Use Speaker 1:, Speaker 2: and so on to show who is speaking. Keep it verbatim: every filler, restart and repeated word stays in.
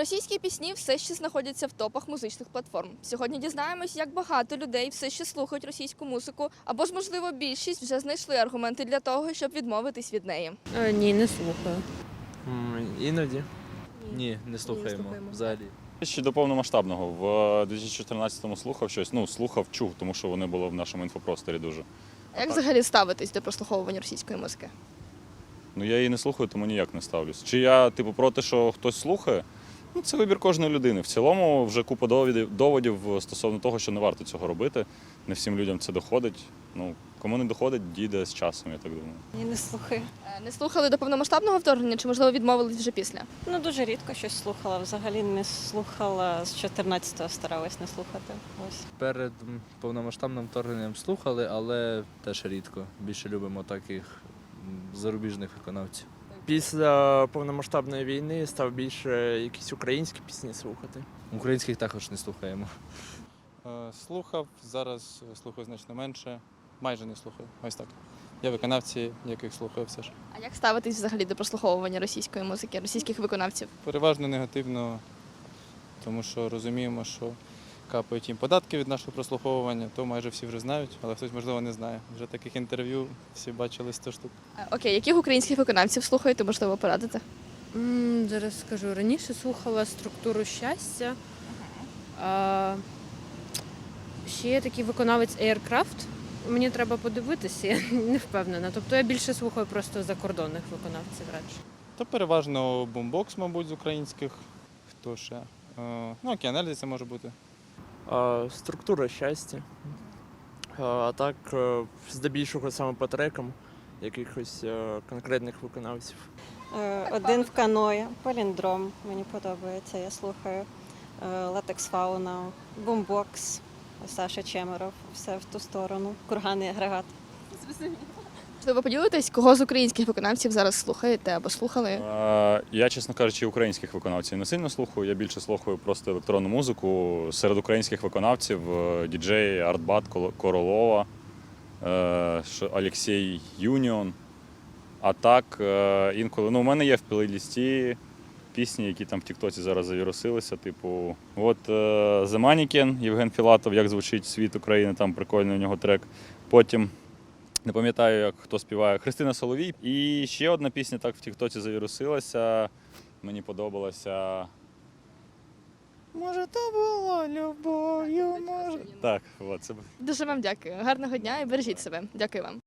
Speaker 1: Російські пісні все ще знаходяться в топах музичних платформ. Сьогодні дізнаємось, як багато людей все ще слухають російську музику, або ж, можливо, більшість вже знайшли аргументи для того, щоб відмовитись від неї.
Speaker 2: Е, ні, не слухаю.
Speaker 3: М, Іноді.
Speaker 4: Ні, не слухаємо,
Speaker 2: слухаємо.
Speaker 4: взагалі.
Speaker 5: Ще до повномасштабного. В дві тисячі чотирнадцятому слухав щось. Ну, слухав, чув, тому що вони були в нашому інфопросторі дуже.
Speaker 1: А як взагалі ставитись до прослуховування російської музики?
Speaker 5: Ну, я її не слухаю, тому ніяк не ставлюсь. Чи я, типу, проти, що хтось слухає? Ну, це вибір кожної людини. В цілому вже купа доводів, доводів стосовно того, що не варто цього робити. Не всім людям це доходить. Ну, кому не доходить, дійде з часом, я так думаю.
Speaker 6: Ні, не слухаю.
Speaker 1: Е, Не слухали до повномасштабного вторгнення, чи, можливо, відмовились вже після?
Speaker 6: Ну, дуже рідко щось слухала. Взагалі не слухала з чотирнадцятого, старалась не слухати. Ось.
Speaker 4: Перед м, повномасштабним вторгненням слухали, але теж рідко. Більше любимо таких м, зарубіжних виконавців.
Speaker 3: Після повномасштабної війни став більше якісь українські пісні слухати.
Speaker 4: Українських також не слухаємо.
Speaker 7: Е, Слухав, зараз слухаю значно менше, майже не слухаю. Ось так. Є виконавці, яких слухаю все ж.
Speaker 1: А як ставитись взагалі до прослуховування російської музики, російських виконавців?
Speaker 7: Переважно негативно, тому що розуміємо, що капають їм податки від нашого прослуховування, то майже всі вже знають, але хтось, можливо, не знає. Вже таких інтерв'ю всі бачили сто штук.
Speaker 1: Е, Окей, яких українських виконавців слухаєте, можливо, порадити?
Speaker 2: М, зараз скажу, раніше слухала структуру щастя. А, ще є такий виконавець Aircraft. Мені треба подивитися, я не впевнена. Тобто я більше слухаю просто закордонних виконавців радше.
Speaker 7: То переважно бумбокс, мабуть, з українських. Хто ще? Е, Ну, Океанельзі це може бути.
Speaker 3: А, структура щастя. А, а так, е, здебільшого саме по трекам якихось е, конкретних виконавців.
Speaker 6: Е, Один в каної, паліндром мені подобається, я слухаю. Е, Латекс Фауна, бумбокс, Саша Чемеров, все в ту сторону. Курганний агрегат.
Speaker 1: Можливо, поділитесь, кого з українських виконавців зараз слухаєте або слухали?
Speaker 5: Е, Я, чесно кажучи, українських виконавців не сильно слухаю. Я більше слухаю просто електронну музику. Серед українських виконавців е, діджей Артбат Коло- Королова, е, що Олексій Юніон. А так, е, інколи, ну, у мене є в плейлісті пісні, які там в Тіктоці зараз завірусилися. Типу, от е, The Mannequin, Євген Філатов, як звучить світ України, там прикольний у нього трек. Потім не пам'ятаю, як хто співає, Христина Соловій. І ще одна пісня так в Тіктоці завірусилася. Мені подобалася. Може, то було любов'ю, може. Так, от це.
Speaker 1: Дуже вам дякую. Гарного дня і бережіть себе. Дякую вам.